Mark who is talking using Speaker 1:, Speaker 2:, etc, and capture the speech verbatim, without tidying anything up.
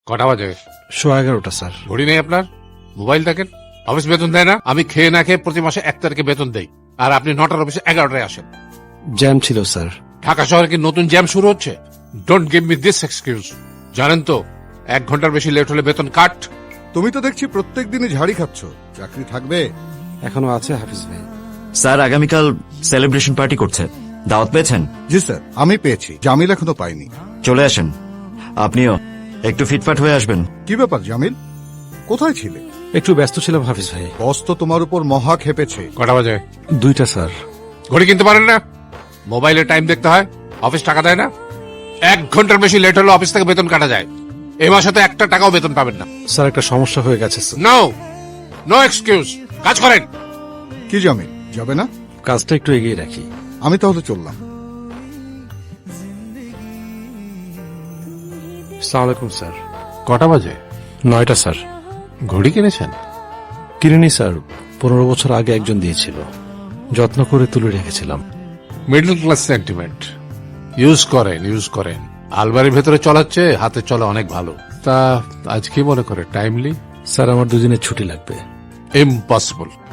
Speaker 1: কটা বাজে?
Speaker 2: সোয়া এগারোটা স্যার।
Speaker 1: ঘড়ি নেই আপনার? মোবাইল দেখেন? অফিস বেতন দেয় না? আমি খেয়ে না খেয়ে প্রতি মাসে এক তারিখে বেতন দেই, আর আপনি নটার অফিসে এগারোটায় আসেন।
Speaker 2: জ্যাম ছিল স্যার।
Speaker 1: ঢাকা শহরে কি নতুন জ্যাম শুরু হচ্ছে? Don't give me this excuse. জানেন তো এক ঘন্টার বেশি লেট হলে বেতন কাট।
Speaker 3: তুমি তো দেখছি প্রত্যেক দিনই ঝাড়ি খাচ্ছ, চাকরি থাকবে?
Speaker 2: এখনো আছে হাফিজ ভাই।
Speaker 4: স্যার আগামীকাল সেলিব্রেশন পার্টি করছে, দাওয়াত পেয়েছেন?
Speaker 3: জি স্যার, আমি পেয়েছি, জামিল এখনো পাইনি।
Speaker 4: চলে আসেন, আপনিও একটু ফিটফাট হয়ে আসবেন।
Speaker 3: কি ব্যাপার জামিল, কোথায় ছিলে?
Speaker 2: একটু ব্যস্ত ছিলাম হাফিজ ভাই।
Speaker 3: বস তো তোমার উপর মহা খেপেছে।
Speaker 1: কটা বাজে?
Speaker 2: দুইটা স্যার।
Speaker 1: ঘড়ি কিনতে পারেন না? মোবাইলে টাইম দেখতে হয়, অফিস টাকা দেয় না? এক ঘন্টার বেশি লেট হলে অফিস থেকে বেতন কাটা যায়। এই মাসে তো একটা টাকাও বেতন পাবেন না।
Speaker 2: স্যার একটা সমস্যা হয়ে গেছে স্যার।
Speaker 1: নো নো এক্সকিউজ, কাজ করেন।
Speaker 3: কি জামিল, যাবে না?
Speaker 2: কাজটা একটু এগিয়ে রাখি।
Speaker 3: আমি তাহলে চললাম।
Speaker 2: আসসালামু আলাইকুম স্যার।
Speaker 1: কটা বাজে?
Speaker 2: নয়টা স্যার।
Speaker 1: ঘড়ি কিনেছেন?
Speaker 2: কিনিনি স্যার, পনেরো বছর আগে একজন দিয়েছিল, যত্ন করে তুলে রেখেছিলাম।
Speaker 1: Middle class sentiment. ইউজ করেন ইউজ করেন আলমারির ভেতরে চলাচ্ছে, হাতে চলা অনেক ভালো। তা আজ কি মনে করে টাইমলি?
Speaker 2: স্যার আমার দুদিনের ছুটি লাগবে।
Speaker 1: ইম্পসিবল।